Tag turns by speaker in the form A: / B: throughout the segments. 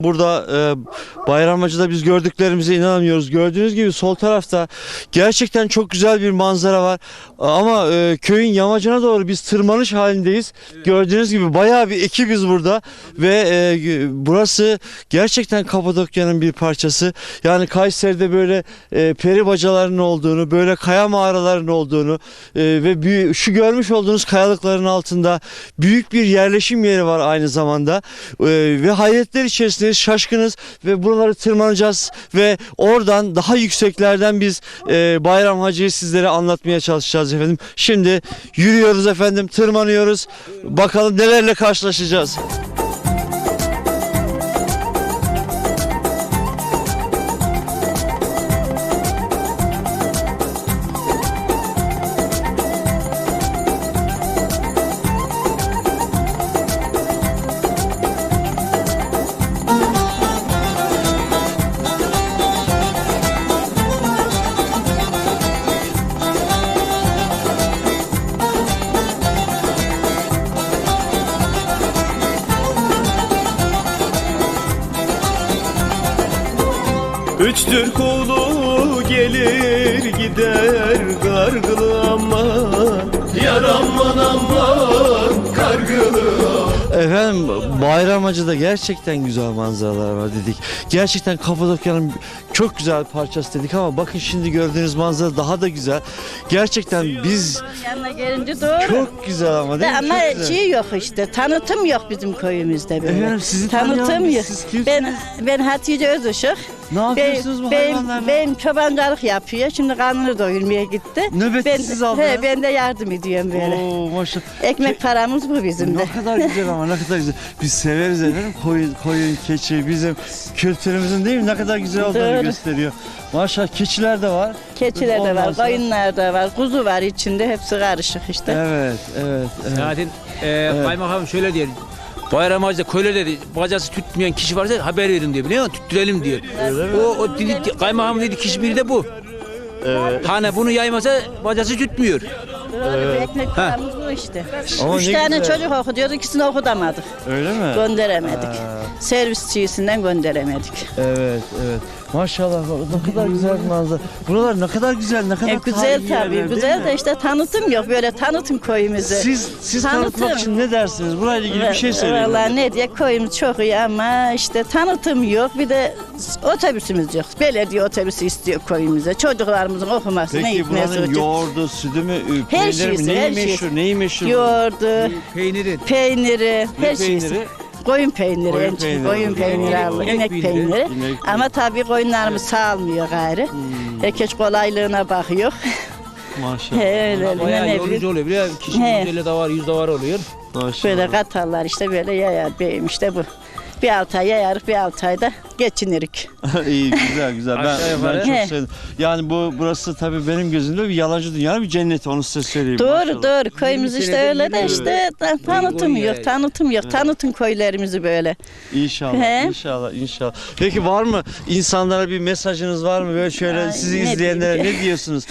A: Burada Bayramacı'da biz gördüklerimize inanamıyoruz. Gördüğünüz gibi sol tarafta gerçekten çok güzel bir manzara var. Ama köyün yamacına doğru biz tırmanış halindeyiz. Evet. Gördüğünüz gibi bayağı bir ekibiz burada. Ve burası gerçekten Kapadokya'nın bir parçası. Yani Kayseri'de böyle peri bacalarının olduğunu, böyle kaya mağaralarının olduğunu ve şu görmüş olduğunuz kayalıkların altında büyük bir yerleşim yeri var aynı zamanda. Ve hayretler içerisinde şaşkınız ve buraları tırmanacağız ve oradan daha yükseklerden biz Bayram Hacı'yı sizlere anlatmaya çalışacağız efendim. Şimdi yürüyoruz efendim, tırmanıyoruz. Bakalım nelerle karşılaşacağız.
B: Üç Türk oğlu gelir gider Kargılı aman, yar aman aman Kargılı.
A: Efendim Bayramacı'da gerçekten güzel manzaralar var dedik. Gerçekten Kapadokya'nın çok güzel parçası dedik ama bakın şimdi gördüğünüz manzara daha da güzel. Gerçekten biz
C: yanına gelince doğru.
A: çok güzel ama değil mi?
C: Ama
A: Çok güzel.
C: şey yok işte, tanıtım yok bizim köyümüzde böyle.
A: Efendim sizi
C: Tanıtım
A: tanıyan
C: yok.
A: siz kimsiniz?
C: Ben Hatice Özışık.
A: Ne yapıyorsunuz bu hayvanlarla?
C: Ben çobancılık yapıyor. Şimdi karnını doyurmaya gitti.
A: Nöbeti siz aldınız.
C: Ben de yardım ediyorum böyle.
A: Oo maşallah.
C: Ekmek paramız bu bizim de.
A: Ne kadar güzel ama ne kadar güzel. Biz severiz efendim koyun, keçi bizim kültürümüzün değil mi? Ne kadar güzel olduğunu
C: Doğru.
A: gösteriyor. Maşallah keçiler de var.
C: Keçiler de
A: Ondan
C: var,
A: sonra-
C: koyunlar da var, kuzu var içinde, hepsi karışık işte.
A: Evet.
D: Zaten kaymakam şöyle diyor. Bayramacı'da köyle dedi, bacası tütmeyen kişi varsa haber verin diyor, biliyor musun? Tüttürelim diyor. O dedi, kaymakam dedi, kişi biri de bu.
A: Evet.
D: Hani bunu yaymasa bacası tütmüyor.
C: Doğru, ekmek paramız bu işte.
A: Ama
C: 3
A: ne
C: tane
A: güzel.
C: çocuk okutuyordu, ikisini okutamadık.
A: Öyle mi?
C: Gönderemedik.
A: Ha.
C: Servisçisinden gönderemedik.
A: Evet. Maşallah ne kadar güzel bir manzara. Buralar ne kadar güzel, ne kadar
C: Güzel
A: tarihi
C: tabii,
A: yerler,
C: güzel
A: değil
C: de
A: mi?
C: işte tanıtım yok. Böyle tanıtım köyümüzü.
A: Siz tanıtmak için ne dersiniz? Burayla ilgili bir şey söyleyin.
C: Vallahi ne diye, köyümüz çok iyi ama işte tanıtım yok. Bir de otobüsümüz yok. Belediye otobüsü istiyor köyümüze. Çocuklarımızın okumasını,
A: Peki
C: gitmesi
A: buranın
C: için.
A: yoğurdu, sütü mü,
C: Her
A: peyniri mi?
C: şeysi,
A: Neyi
C: her
A: meşhur?
C: şeysi.
A: Neyi meşhur?
C: Yoğurdu,
D: Peyniri.
C: peyniri,
A: Ne
C: her şeysi.
A: peyniri?
C: Koyun peyniri,
A: Koyun
C: en çok
A: peyniri.
C: koyun peyniri alır,
D: İnek
C: inek
D: peyniri.
C: peyniri.
A: İnek
C: Ama tabii koyunlarımız sağlamıyor gayrı. Herkes kolaylığına bakıyor.
A: Maşallah.
C: Öyle,
D: Bayağı
C: ne
D: yorucu
C: bileyim.
D: oluyor, biliyor musun? Kişi
C: He.
D: 150 davar, 100 davar oluyor.
A: Maşallah.
C: Böyle katarlar işte, böyle yayar beyim işte bu. Bir 6 ay yayarık, bir 6 ayda geçinirik.
A: İyi, güzel. Ben
D: Aşağı yukarı.
A: çok
C: He.
A: sevdim. Yani burası tabii benim gözümde bir yalancı dünya, bir cennet, onu size söyleyeyim.
C: Doğru
A: Maşallah.
C: doğru, köyümüz işte
D: senedir
C: öyle de
D: yürüyor.
C: işte tanıtım
D: Uygun
C: yok,
D: yani.
C: tanıtım yok. Tanıtın köylerimizi böyle.
A: İnşallah,
C: He.
A: inşallah. Peki var mı insanlara bir mesajınız var mı? Böyle şöyle
C: Ay,
A: sizi
C: ne
A: izleyenlere
C: diyeyim
A: ne diyorsunuz?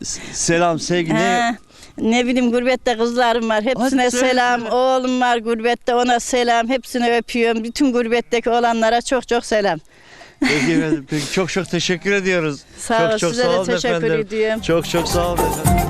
A: Selam, sevgi ne?
C: Ha, ne bileyim, gurbette kızlarım var. Hepsine
A: Hadi
C: selam.
A: söyle.
C: Oğlum var gurbette, ona selam. Hepsini öpüyorum. Bütün gurbetteki olanlara çok çok selam.
A: Peki efendim, çok teşekkür ediyoruz.
C: Sağ ol,
A: çok
C: size
A: sağ
C: de
A: olun
C: teşekkür
A: efendim.
C: ediyorum.
A: Çok sağ olun efendim.